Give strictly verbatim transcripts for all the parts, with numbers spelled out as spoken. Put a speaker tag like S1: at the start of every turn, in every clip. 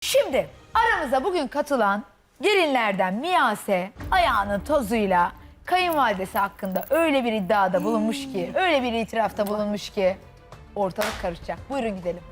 S1: Şimdi aramıza bugün katılan gelinlerden Miyase ayağının tozuyla kayınvalidesi hakkında öyle bir iddiada bulunmuş ki, öyle bir itirafta bulunmuş ki ortalık karışacak. Buyurun gidelim.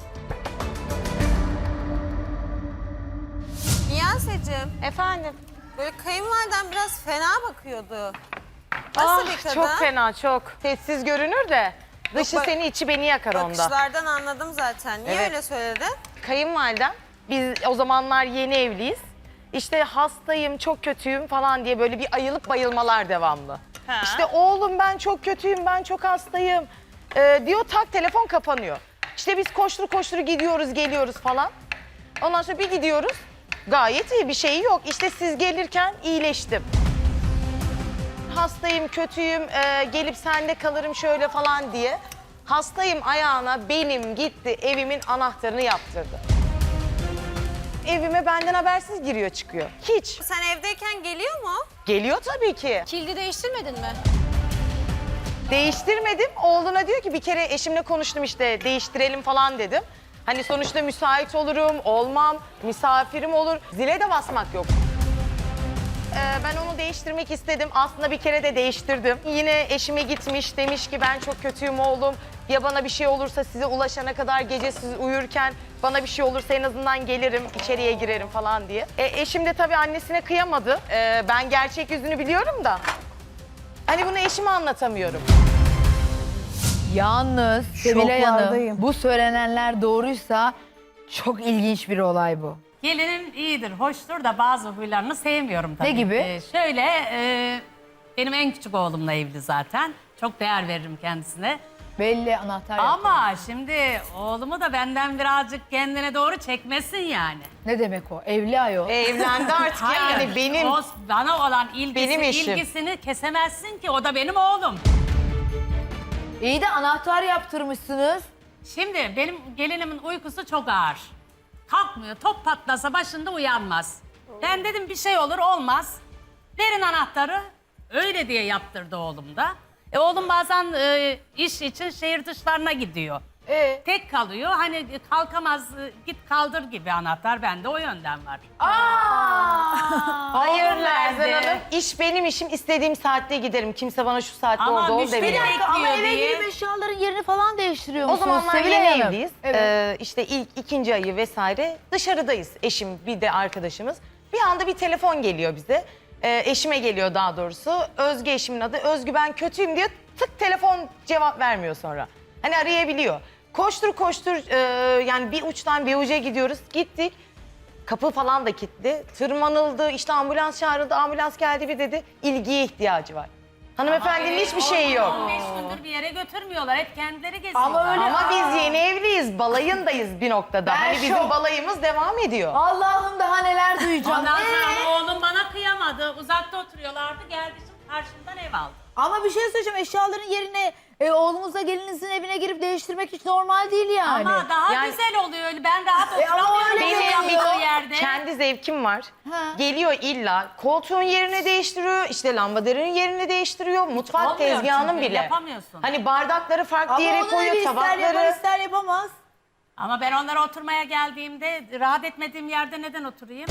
S2: Niyase'cim,
S3: Efendim?
S2: böyle kayınvaliden biraz fena bakıyordu. Nasıl
S3: Ah,
S2: bir kadın?
S3: çok fena, çok. Sessiz görünür de dışı
S2: bak-
S3: seni içi beni yakar onda.
S2: Bakışlardan anladım zaten. Niye
S3: Evet.
S2: öyle söyledin?
S3: Kayınvalidem, biz o zamanlar yeni evliyiz. İşte hastayım, çok kötüyüm falan diye böyle bir ayılıp bayılmalar devamlı.
S2: Ha.
S3: İşte oğlum ben çok kötüyüm, ben çok hastayım ee, diyor, tak telefon kapanıyor. İşte biz koştur koştur gidiyoruz, geliyoruz falan. Ondan sonra bir gidiyoruz, gayet iyi, bir şey yok. İşte siz gelirken iyileştim. Hastayım, kötüyüm, e, gelip sende kalırım şöyle falan diye. Hastayım ayağına benim gitti, evimin anahtarını yaptırdı. Evime benden habersiz giriyor çıkıyor. Hiç.
S2: Sen evdeyken geliyor mu?
S3: Geliyor tabii ki.
S2: Kilidi değiştirmedin mi?
S3: Değiştirmedim. Oğluna diyor ki bir kere eşimle konuştum işte değiştirelim falan dedim. Hani sonuçta müsait olurum, olmam, misafirim olur. Zile de basmak yok. Ee, ben onu değiştirmek istedim. Aslında bir kere de değiştirdim. Yine eşime gitmiş, demiş ki ben çok kötüyüm oğlum. Ya bana bir şey olursa size ulaşana kadar gece siz uyurken bana bir şey olursa en azından gelirim, içeriye girerim falan diye. E, eşim de tabii annesine kıyamadı. Ee, ben gerçek yüzünü biliyorum da. Hani bunu eşime anlatamıyorum.
S1: Yalnız Sevilay Hanım,
S4: Şoklardayım.
S1: bu söylenenler doğruysa çok ilginç bir olay bu.
S5: Gelinim iyidir, hoştur da bazı huylarını sevmiyorum tabii.
S1: Ne gibi?
S5: Ee, şöyle, e, benim en küçük oğlumla evli zaten. Çok değer veririm kendisine.
S1: Belli anahtar yaptı.
S5: Ama şimdi oğlumu da benden birazcık kendine doğru çekmesin yani.
S1: Ne demek o? Evli ayol.
S3: E, evlendi artık yani benim.
S5: O bana olan ilgisi,
S3: Benim eşim.
S5: ilgisini kesemezsin ki, o da benim oğlum.
S1: İyi de anahtar yaptırmışsınız.
S5: Şimdi benim gelinimin uykusu çok ağır. Kalkmıyor, top patlasa başında uyanmaz. Ben dedim bir şey olur olmaz. Verin anahtarı. Öyle diye yaptırdı oğlum da. E, oğlum bazen e, iş için şehir dışlarına gidiyor.
S1: Ee?
S5: Tek kalıyor. Hani kalkamaz, e, git kaldır gibi anahtar. Bende o yönden var.
S3: Hayır
S5: Oğlum
S3: Lerzan
S5: nerede?
S3: Hanım. İş benim işim. İstediğim saatte giderim. Kimse bana şu saatte
S5: Ama
S3: orada ol
S5: müşteri
S3: demiyor.
S5: bekliyor
S1: Ama eve
S5: diye.
S1: girip eşyaların yerini falan değiştiriyor
S3: O
S1: musunuz
S3: zamanlar
S1: Sevilay
S3: yeni
S1: Hanım?
S3: evliyiz.
S1: Evet.
S3: Ee, işte ilk ikinci ayı vesaire dışarıdayız. Eşim bir de arkadaşımız. Bir anda bir telefon geliyor bize. Ee, eşime geliyor daha doğrusu. Özgü eşimin adı. Özgü ben kötüyüm diyor. Tık telefon cevap vermiyor sonra. Hani arayabiliyor. Koştur koştur e, yani bir uçtan bir uca gidiyoruz. Gittik. Kapı falan da kilitli. Tırmanıldı. İşte ambulans çağrıldı. Ambulans geldi bir dedi. İlgiye ihtiyacı var. Hanımefendinin hiçbir şeyi yok.
S5: on beş gündür bir yere götürmüyorlar. Hep kendileri geziyorlar.
S1: Ama öyle-
S3: Ama biz yeni evliyiz. Balayındayız bir noktada.
S1: Ben
S3: hani bizim
S1: şok.
S3: balayımız devam ediyor.
S1: Allah'ım daha neler duyacağım.
S5: Ondan
S1: Ee?
S5: sonra oğlum bana kıyamadı. Uzakta oturuyorlardı. Geldi şimdi karşımdan ev aldı.
S1: Ama bir şey söyleyeceğim. Eşyaların yerine e, oğlunuzla gelinizin evine girip değiştirmek hiç normal değil yani.
S5: Ama daha
S3: Yani-
S5: güzel oluyor öyle. Ben rahat
S1: E ama
S5: oturamıyorum
S1: öyle
S5: benim
S1: geliyor.
S5: yaptığı yerde.
S3: Kendi zevkim var.
S1: Ha.
S3: Geliyor illa koltuğun yerini değiştiriyor, işte lambaderinin yerini değiştiriyor, mutfak
S5: olmuyor
S3: tezgahının
S5: çünkü,
S3: bile.
S5: yapamıyorsun.
S3: Hani bardakları farklı
S1: Ama
S3: yere
S1: onu
S3: koyuyor,
S1: bir ister yapar
S3: tabakları.
S1: ister yapamaz.
S5: Ama ben onlara oturmaya geldiğimde rahat etmediğim yerde neden oturayım?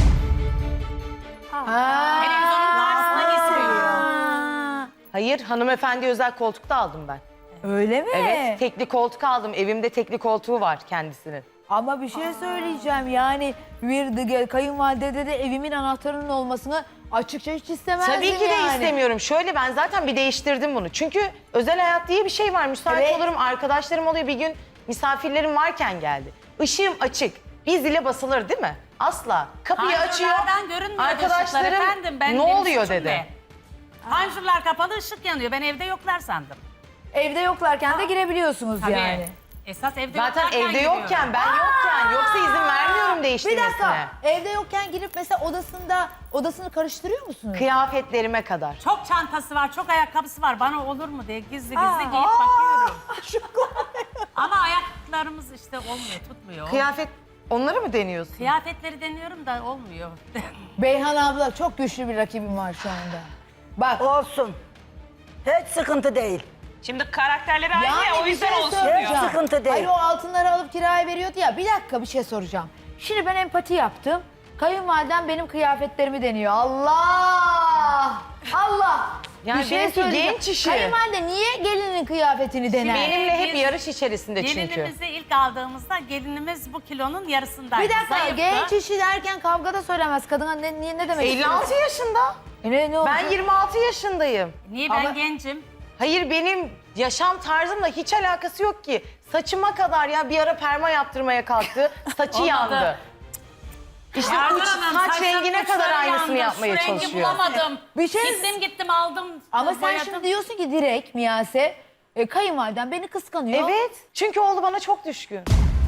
S1: Ha.
S5: Televizyonun karşısına geçiriyor.
S1: Ha.
S3: Hayır, hanımefendi özel koltukta aldım ben.
S1: Öyle mi?
S3: Evet, tekli koltuk aldım. Evimde tekli koltuğu var kendisinin.
S1: Ama bir şey söyleyeceğim yani bir de- kayınvalidede de evimin anahtarının olmasını açıkça hiç istemezdim
S3: Tabii ki de
S1: yani.
S3: istemiyorum. Şöyle ben zaten bir değiştirdim bunu. Çünkü özel hayat diye bir şey var. Müsait
S1: Evet.
S3: olurum, arkadaşlarım oluyor. Bir gün misafirlerim varken geldi. Işığım açık. Bir zile basılır değil mi? Asla. Kapıyı açıyor.
S5: Panjurlardan görünmüyor ışıklar
S3: Arkadaşlarım
S5: efendim. Ben,
S3: ne
S5: benim
S3: oluyor
S5: suçum
S3: dedi.
S5: ne? Panjurlar kapalı, ışık yanıyor. Ben evde yoklar sandım.
S1: Evde yoklarken de girebiliyorsunuz
S5: Tabii.
S1: yani.
S5: Esas evde
S3: Zaten
S5: yoklarken
S3: evde
S5: giriyorum.
S3: yokken, ben yokken. Yoksa izin vermiyorum
S1: Bir
S3: değiştirmesine.
S1: dakika evde yokken girip mesela odasında odasını karıştırıyor musunuz?
S3: Kıyafetlerime kadar.
S5: Çok çantası var, çok ayakkabısı var. Bana olur mu diye gizli gizli
S1: Aa,
S5: giyip
S1: aa,
S5: bakıyorum. Ama ayaklarımız işte olmuyor, tutmuyor.
S3: Kıyafet, onları mı deniyorsun?
S5: Kıyafetleri deniyorum da olmuyor.
S1: Beyhan abla çok güçlü bir rakibim var şu anda. Bak
S4: Olsun. Hiç sıkıntı değil.
S6: Şimdi karakterleri aynı ya o
S1: bir
S6: yüzden
S1: şey
S6: olsun
S1: soracağım.
S6: diyor.
S4: Sıkıntı değil.
S1: Hayır o altınları alıp kiraya veriyordu ya. Bir dakika bir şey soracağım. Şimdi ben empati yaptım. Kayınvalidem benim kıyafetlerimi deniyor. Allah! Allah!
S3: Yani
S1: Bir şey
S3: benimki
S1: söyleyeceğim.
S3: genç işi.
S1: Kayınvalide niye gelinin kıyafetini dener?
S3: Benimle hep
S5: Biz-
S3: yarış içerisinde çünkü.
S5: Gelinimizi ilk aldığımızda gelinimiz bu kilonun yarısındaydı.
S1: Bir dakika,
S5: Zayıftı.
S1: genç işi derken kavgada söylemez. Kadına ne, niye, ne demek
S3: elli altı
S1: istiyorsun?
S3: yaşında.
S1: E ne, ne olacak?
S3: Ben yirmi altı yaşındayım.
S5: Niye ben
S1: Ama-
S5: gencim?
S3: Hayır benim yaşam tarzımla hiç alakası yok ki. Saçıma kadar ya bir ara perma yaptırmaya kalktı. Saçı
S5: Olmadı.
S3: yandı. İşte
S5: Yardım
S3: uç
S5: Hanım,
S3: saç
S5: saçlarım
S3: rengine
S5: uçları
S3: kadar aynısını
S5: yandı.
S3: yapmaya
S5: Şu rengi
S3: çalışıyor.
S5: bulamadım.
S1: Bir şey-
S5: Gittim gittim aldım.
S1: Ama sen
S5: boyadım.
S1: şimdi diyorsun ki direkt Miyase, e, kayınvaliden beni kıskanıyor.
S3: Evet. Çünkü oğlu bana çok düşkün.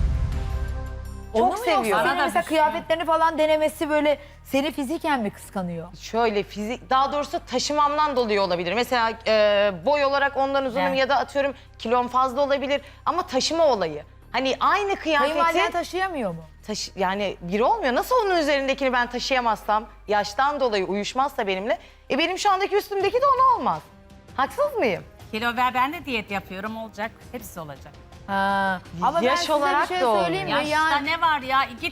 S1: Onu
S3: çok
S1: mu
S3: seviyor.
S1: yoksa senin
S5: Bana da
S1: mesela
S5: düşkün.
S1: kıyafetlerini falan denemesi böyle seni fiziken mi kıskanıyor?
S3: Şöyle fizik, daha doğrusu taşımamdan dolayı olabilir. Mesela e, boy olarak ondan uzunum
S5: Evet.
S3: ya da atıyorum kilom fazla olabilir. Ama taşıma olayı. Hani aynı
S1: Kayınvaliden
S3: kıyafeti
S1: taşıyamıyor mu?
S3: taşı, yani biri olmuyor. Nasıl onun üzerindekini ben taşıyamazsam, yaştan dolayı uyuşmazsa benimle, e benim şu andaki üstümdeki de ona olmaz. Haksız mıyım?
S5: Kilo ver, ben de diyet yapıyorum, olacak. Hepsi olacak.
S1: Ha. Ama ben
S3: Yaş
S1: size
S3: olarak
S1: bir şey
S3: da olmuyor.
S1: söyleyeyim mi?
S5: Yaşta
S1: Yani,
S5: ne var ya? Git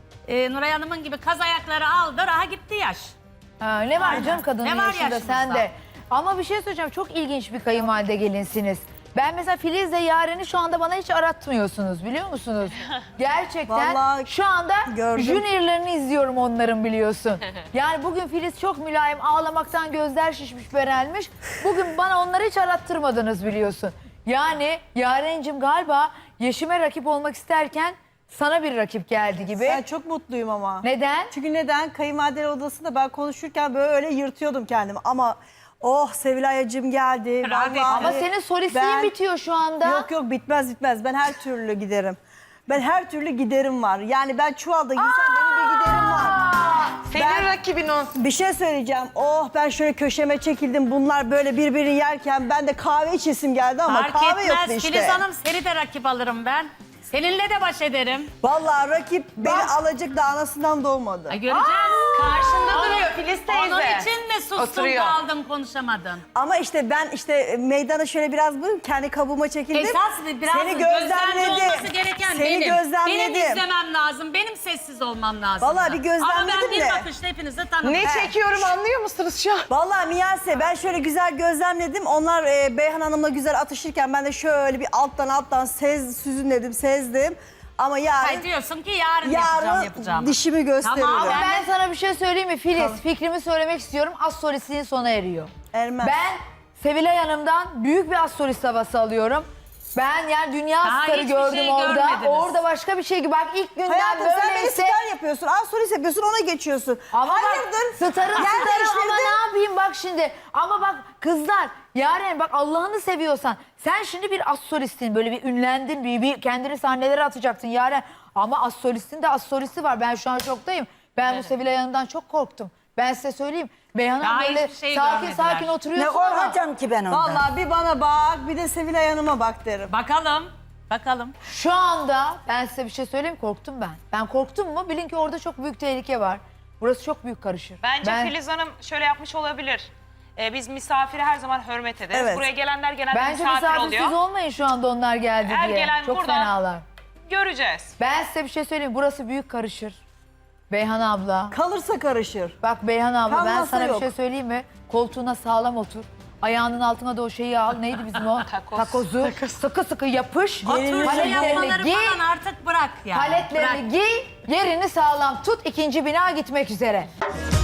S5: e, Nuray Hanım'ın gibi kaz ayakları aldır, aha gitti yaş.
S1: ha, ne var
S5: Aynen.
S1: canım kadının
S5: Ne var
S1: yaşında
S5: yaşımızda?
S1: sen de. Ama bir şey söyleyeceğim, çok ilginç bir kayınvalide gelinsiniz. Ben mesela Filiz'le Yaren'i şu anda bana hiç aratmıyorsunuz, biliyor musunuz? Gerçekten
S4: Vallahi
S1: şu anda
S4: gördüm.
S1: juniorlarını izliyorum onların, biliyorsun. Yani bugün Filiz çok mülayim, ağlamaktan gözler şişmiş, berelmiş. Bugün bana onları hiç arattırmadınız, biliyorsun. Yani Yaren'cim galiba Yeşim'e rakip olmak isterken sana bir rakip geldi gibi.
S6: Ben çok mutluyum ama.
S1: Neden?
S6: Çünkü neden? Kayınvalideler odasında ben konuşurken böyle yırtıyordum kendimi. Ama oh Sevilay'cığım geldi.
S5: Rahat et.
S6: Vallahi
S1: Ama senin solistiğin
S6: ben-
S1: bitiyor şu anda.
S6: Yok yok bitmez bitmez. Ben her türlü giderim. Ben her türlü giderim var. Yani ben çuvalda giysem benim bir giderim var.
S3: Senin
S6: Ben-
S3: rakibin o.
S6: Bir şey söyleyeceğim. Oh ben şöyle köşeme çekildim. Bunlar böyle birbirini yerken ben de kahve içesim geldi ama
S5: Fark
S6: kahve yoktu
S5: etmez.
S6: işte.
S5: Filiz Hanım, seni de rakip alırım ben. Seninle de baş ederim.
S6: Vallahi rakip beni alacak da anasından doğmadı.
S5: Ay, göreceğiz.
S3: Karşında
S5: Onu-
S3: duruyor Filiz teyze.
S5: Onun için mi sustun,
S3: Oturuyor.
S5: kaldın, konuşamadın?
S6: Ama işte ben işte meydana şöyle biraz bu kendi kabuğuma çekildim.
S5: Esas biraz
S6: Seni
S5: gözlemci
S6: gözlemledim.
S5: olması gereken
S6: Seni
S5: benim.
S6: gözlemledim.
S5: Benim izlemem lazım. Benim sessiz olmam lazım.
S6: Vallahi bir gözlemledim
S5: Ama ben bir
S6: de.
S5: bakışta hepinizi tanıdım.
S3: Ne çekiyorum anlıyor musunuz şu an?
S6: Vallahi Miyase ben şöyle güzel gözlemledim. Onlar e, Beyhan Hanım'la güzel atışırken ben de şöyle bir alttan alttan sez, süzünledim, sezdim. Ama yarın,
S5: Ay, diyorsun ki yarın, yapacağım
S6: yarın
S5: yapacağım.
S6: dişimi gösteririm.
S5: Tamam,
S1: Ama
S5: Ben
S1: ben
S5: de-
S1: sana bir şey söyleyeyim mi Filiz? Fikrimi söylemek istiyorum. Az solistliğin sona eriyor.
S6: Ermez.
S1: Ben Sevilay Hanım'dan büyük bir az solist havası alıyorum. Ben yani dünya
S5: Daha
S1: starı
S5: hiçbir
S1: gördüm
S5: şey
S1: orada.
S5: görmediniz.
S1: Orada başka bir şey gibi. Bak ilk günden
S6: Hayatım sen beni
S1: böyleyse...
S6: star yapıyorsun. Az solist yapıyorsun ona geçiyorsun.
S1: Ama
S6: Hayırdır?
S1: bak starın
S6: Yer
S1: starı ama
S6: değiştirdin.
S1: ne yapayım bak şimdi. Ama bak kızlar Yaren bak Allah'ını seviyorsan sen şimdi bir az solistin, böyle bir ünlendin, bir, bir kendini sahnelere atacaktın Yaren. Ama az solistin de az solisti var. Ben şu an şoktayım. Ben bu Sevilay Hanım'dan çok korktum. Ben size söyleyeyim. Beyhan Hanım
S5: Daha
S1: böyle
S5: hiçbir şey
S1: sakin
S5: görmediler.
S1: sakin
S4: Ne
S1: oturuyorsun ama.
S4: korkacağım ki ben ondan.
S6: Vallahi bir bana bak bir de Sevilay Hanım'a bak derim.
S5: Bakalım. Bakalım.
S1: Şu anda ben size bir şey söyleyeyim, korktum ben. Ben korktum mu bilin ki orada çok büyük tehlike var. Burası çok büyük karışır.
S7: Bence
S1: ben,
S7: Filiz Hanım şöyle yapmış olabilir. Ee, biz misafiri her zaman hürmet ederiz.
S6: Evet.
S7: Buraya gelenler genelde
S1: Bence
S7: misafir
S1: misafirsiz
S7: oluyor.
S1: olmayın şu anda onlar geldi
S7: Her
S1: diye.
S7: gelen
S1: Çok
S7: burada-
S1: fenalar.
S7: Göreceğiz.
S1: Ben size bir şey söyleyeyim, burası büyük karışır. Beyhan abla.
S6: Kalırsa karışır.
S1: Bak Beyhan abla ben
S6: Kalmasa
S1: sana
S6: yok.
S1: bir şey söyleyeyim mi? Koltuğuna sağlam otur. Ayağının altına da o şeyi al. Neydi bizim o?
S7: Takoz.
S1: Takozu. Sıkı sıkı yapış.
S5: Oturuşu
S1: Paletlerini
S5: yapmaları
S1: giy.
S5: falan artık bırak yani.
S1: Paletlerini
S5: Bırak.
S1: giy. Yerini sağlam tut. İkinci bina gitmek üzere.